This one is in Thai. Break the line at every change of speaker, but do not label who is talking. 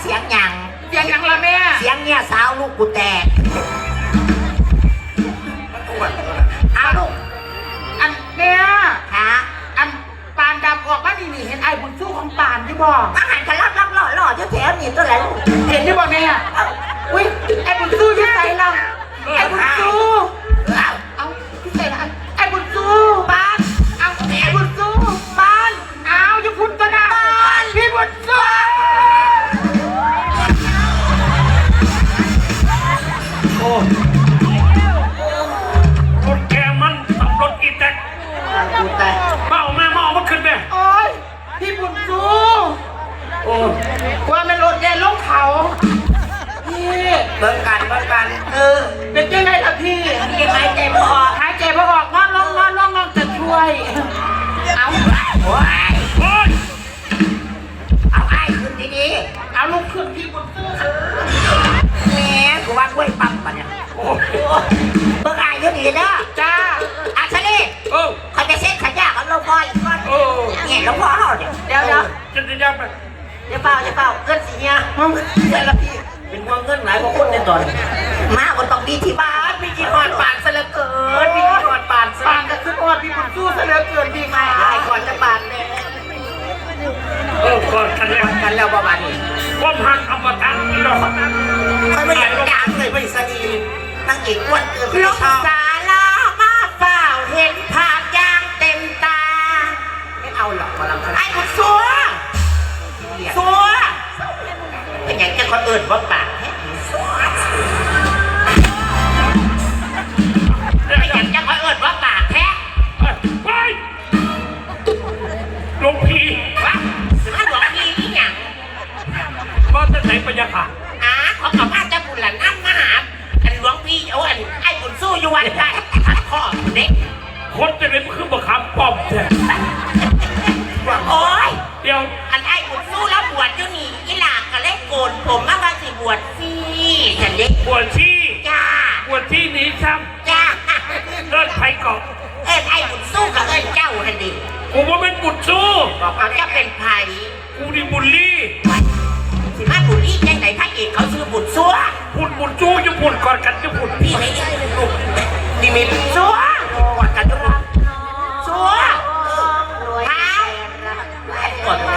เสียงหยัง
ละแม่
เสียงเนี่ยสาวลูกกูแตกเอาลูก
อันแม่
ค่ะ
อันปานดำออกมานี่เห็นไอ้บุญสู้ของปานที่บอก
อาหารกันรับหล่อแถวนี่ตัวไหน
เห็นที่บอกแม่อุ้ยไอ้บุญสู้ที่ใส่ละไอ้บุญสู้เอาที่ใส่ละไอ้บุญสู้ปานเอาไอ้บุญสู้ปานเอาอย่าพูดก็ได้พี่บุญสู้
โอ้รถแกมันขับรถอีแตกเมามันขึ้นไป
โอ้ยพี่บุญสู้
โอ้
ว่ามันรถแกลงเขาพี่
เบิ่งกัน
เป็นยังไงล่ะพี่
หายใจไม่ออก
นอนลองจะช่วยเอา
โอ้ยเอาไอ้ขึ้นดี
ๆเอาลูกขึ้นพี่บุญสู้
แม่กูว่ากล้วยปั๊มปะเนี่ยเบิ่งไอ้เดี๋ยวนี้นะ
จ้า
อาชลีเขาจะเซ็ตขยะเขาลงพ่ออีกคนเนี่ยลงพ่อเขาเนี่ยเดี๋ยว
จะยับไป
จะเปล่าเงินสีเนี่ยเสร็จแล้วพี่เป็นห่วงเงินหลายกว่าคนในตอนมาก็ต้องมีที่บ้านมีที่นอนปานซะเหลือเกินมีที่นอนปาน
ก็คืออดพี่บุญสู้ซะเหลือเกินพี่ค่ะ
ไอ้ก่อนจะปานเนี่ย
ก่อนกัน
แล้วประมาณนี้
ว่าพันอมตะนี่หรอ
เขาไม่อยากจ้างเลยไม่สนีนั่งเอกอ้วนเกินลูกสาลามาเปล่าเห็นภาพย่างเต็มตาไม่เอาหรอกมาลังไอ้บุญซัวเป็นอย่างจะคนอื่นว่าปากเป็นอย่างจะคนอื่นว่าปากแท้
ไปหลวงพี่
วะหรือว่าหลวงพี่นี่หยัง
ก็จะไหนไปยังค่ะ
เขากลับบ้านจะบุญหลานนั่งมาหาอันหลวงพี่โอ้อันไอ้บุญสู้อยู่วันได้ทักข้อเด็ก
คนจะเล่นคือบักคำป้อมแท้
โอ้ย
เดี๋ยว
อันไอ้บุญสู้แล้วบวชอยู่นี่อีหลากก็เล่นโกนผมมาว่าสิบวชสิฉันเด็ก
บวชที่
จ้า
บวชที่นี้ซ้
ำจ้า
เลิศไผ่เกาะ
ไอ้บุญสู้กับเจ้าทันดี
กูว่าเป็นบุญสู้
บอกเขาจะเป็นไผ่
กูนี่บุญลี่
สิมาบุญลี่ยังไหนพระเอกเขาซื้อบุญซัว
บุญสู้จะบุญก่อนกันจะบุญ
พี่ไม่นี่มี